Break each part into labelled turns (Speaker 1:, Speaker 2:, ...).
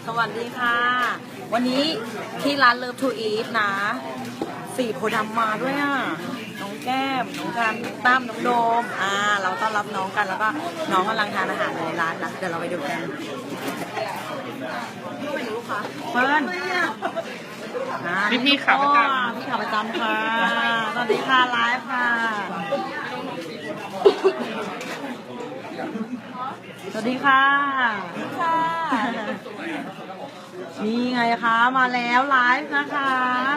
Speaker 1: สวัสดีค่ะ วันนี้ที่ร้านเลิฟทูอีทนะสี่โพธิ์ดำมาด้วยอ่ะน้องแก้มน้องกันตั้มน้องโดมเราต้อนรับน้องกันแล้วก็น้องกำลังทานอาหารในร้านนะเดี๋ยวเราไปดูกันเปิ้ล
Speaker 2: พี่ขาประจำ
Speaker 1: พี่ขาประจำค่ะสวัสดีค่ะไลฟ์ค่ะสวัสดีค่ะนี่ไงคะมาแล้วไลฟ์นะคะ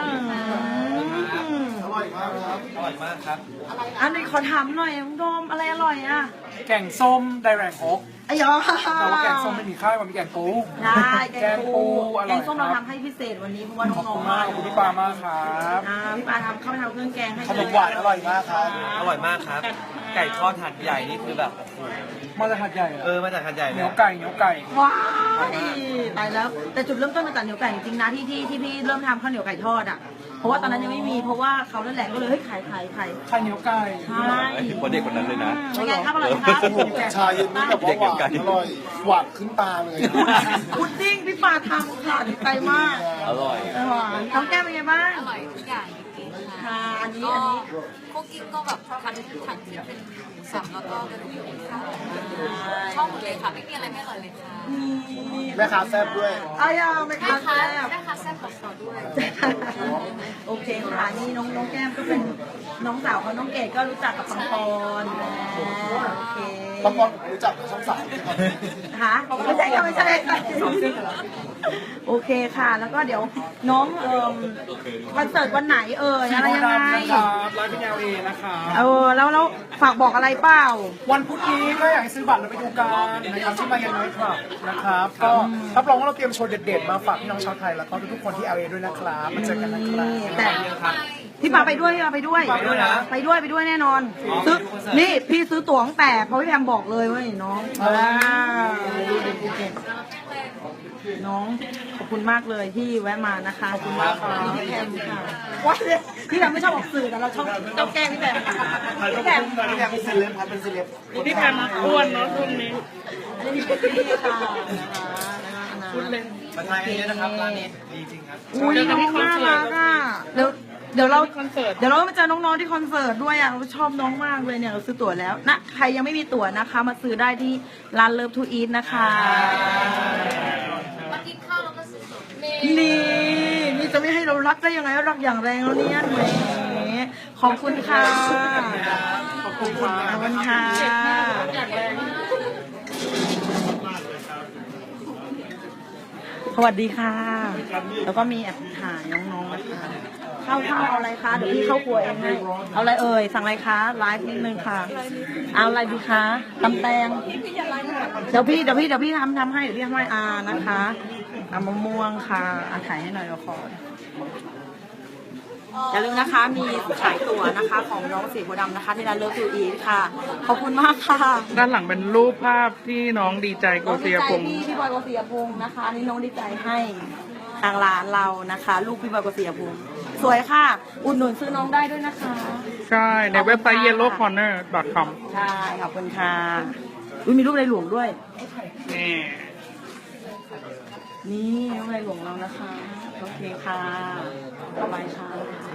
Speaker 3: อร่อยมากครับอร่อยมากครับ
Speaker 1: อันนี้ขอถามหน่อยน้องโดมอะไรอร่อยอ่ะ
Speaker 2: แกงส้มไดแรงโอ๊ก
Speaker 1: ไอ้ยอ
Speaker 2: แต่ว่าแกงส้มไม่มีข้าวมันมีแกงปู
Speaker 1: ได้แกงปู
Speaker 2: อ
Speaker 1: แก
Speaker 2: ร่อย
Speaker 1: งส้ม
Speaker 2: ครั
Speaker 1: เรา
Speaker 2: บ
Speaker 1: ทำให้พิเศษวันนี้เพราะว่า
Speaker 2: ขอบ
Speaker 1: น้อ
Speaker 2: คุ
Speaker 1: ง
Speaker 2: ณ
Speaker 1: ๆ
Speaker 2: มากขอบคุณพี่ปามากครับ
Speaker 1: พี่ปาเข้าไปทำเครื่องแกงให้
Speaker 3: ขนมหวานอร่อยมากครับ
Speaker 4: อร่อยมากครับ ไก่ทอดหัดใหญ่นี่คือแบบ
Speaker 2: มาจากหัดใหญ่เหรอ
Speaker 4: มาจากหัดใหญ่
Speaker 2: เห
Speaker 4: เล
Speaker 2: นี
Speaker 4: ย
Speaker 2: ยวไก่เหนียวไก่
Speaker 1: ว้ายตายแล้ว แต่จุดเริ่มต้นมาจากเหนียวไก่จริงๆนะที่พี่เริ่มทำข้าวเหนียวไก่ทอดอ่ะเพราะว่าตอนนั้นยังไม่มีเพราะว่าเขานั่นแหละก็เลยเฮ้ยขาย
Speaker 2: ไข่เหนียวไก่
Speaker 1: ใช่
Speaker 4: คนเด็กคนนั้นเลยนะ
Speaker 1: เป็นไงครับอร่อยครับ
Speaker 3: ชาเย็นนี่แบบว่าหวานอร่อยหวานขึ้นตาเลย
Speaker 1: พุดดิ้งพี่ปาทำค่ะดีใจมาก
Speaker 4: อร่อย
Speaker 1: น้องแก้มเป็นไงบ้าง
Speaker 5: อร่อยทุกอย่างจริงๆ
Speaker 1: ค่ะ
Speaker 5: ค่ะ
Speaker 1: อันนี้
Speaker 5: ก็
Speaker 1: อันนี้
Speaker 5: คุกกิ้งก็แบบคันที่เป็นหมูสับแล้วก็กระดูกหมูค่ะชอบหมดเลยค่ะไม่มีอะไรไม่อร่อยเลยค่ะ
Speaker 3: แม่ค้าแซ่บด้วย
Speaker 1: อายาไม่
Speaker 5: แม่
Speaker 1: ค้า
Speaker 5: ค้า
Speaker 1: แซ่บ
Speaker 5: แม่ค้าแซ่บบอกต่อด้วย
Speaker 1: โอเคค่ะนี่น้องแก้มก็เป็นน้องสาวของน้องเกดก็รู้จักกับปังปอนโอเค
Speaker 3: บางคนผมรู้จักช่องสาม
Speaker 1: ค่ะไม่ใช่ค่ะไม่ใช่โอเคค่ะ แล้วก็เดี๋ยวน้องคอนเสิร์ตวันไหนอะไรยังไง
Speaker 2: นะครับไลฟ์เป็นLA นะครับ
Speaker 1: แล้วฝากบอกอะไรเปล่า
Speaker 2: วันพุธนี้ก็อยากให้ซื้อบัตรแล้วไปดูกันนะครับที่มาเย็นน้อยครับนะครับ ก็รับรองว่าเราเตรียมโชว์เด็ดๆมาฝากพี่น้องชาวไทยแล้วก็ทุกๆคนที่ LA ด้วยนะครับมาเจอกันนะครับ
Speaker 1: แต่พี่ปาไปด้วยพี่ปาไปด้วย
Speaker 2: ไปด้วยนะ
Speaker 1: ไปด้วยแน่นอนซื้อนี่พี่ซื้อตั๋วตั้งแต่เพราะพี่แพมบอกเลยว่าน้องน้องขอบคุณมากเลยที่แวะมานะคะขอบคุณมากค่ะพี่แพมค่ะว่าพี่แพมไม่ชอบออกสื่อแต่เราชอบแกล้งพี่แพมพี่แพม
Speaker 3: พี่แพมเป็นเซเลบครับเป็นเซเลบ
Speaker 2: พี่แพมอ้วนเนาะช่วงนี้
Speaker 1: นี่ค่ะคุณเล่น
Speaker 4: มาทานกันเยอะนะครับร้านนี้ดีจริงครับ
Speaker 1: อุ้ยน้องน่ารักอ่ะเดี๋ยวเรามาเจอน้องๆที่คอนเสิร์ตด้วยอ่ะเราชอบน้องมากเลยเนี่ยเราซื้อตั๋วแล้วนะใครยังไม่มีตั๋วนะคะมาซื้อได้ที่ร้านเลิฟทูอีทนะคะ
Speaker 5: มากินข้าวแล้วก็ซื้อตั๋ว
Speaker 1: นี่จะไม่ให้เรารักได้ยังไงรักอย่างแรงแล้วเนี่ยแหมขอบคุณค่ะขอบคุณค่ะสวัสดีค่ะ แล้วก็มีแอบถ่ายน้องๆนะคะข้าวเอาอะไรคะเดี๋ยวพี่เข้าครัวเองให้เอาอะไรสั่งอะไรคะไลฟ์นิดนึงค่ะเอาอะไรดีคะตำแตงเดี๋ยวพี่ทำให้เดี๋ยวพี่ทำให้นะคะมะม่วงค่ะถ่ายให้หน่อยเราขออย่าลืมนะคะมีขายตั๋วนะคะของน้องสีโพธิ์ดำนะคะที่ร้านเลิฟทูอีทค่ะขอบคุณมากค่ะ
Speaker 2: ด้านหลังเป็นรูปภาพที่น้องดีใจโกเซียพงษ์
Speaker 1: พี่บอยโกเซียพงษ์นะคะนี่น้องดีใจให้ทางร้านเรานะคะ ลูกพี่บอยโกเซียพงษ์สวยค่ะ อุดหนุนซื้อน้องได้ด้วยนะคะ
Speaker 2: ใช่ ในเว็บไซต์ yellowcorner.com
Speaker 1: ใช่ขอบคุณค่ะอุ้ยมีรูปในหลวงด้วย
Speaker 2: นี่
Speaker 1: นี่รูปในหลวงเรานะคะโอเคค่ะต่อไปค่ะ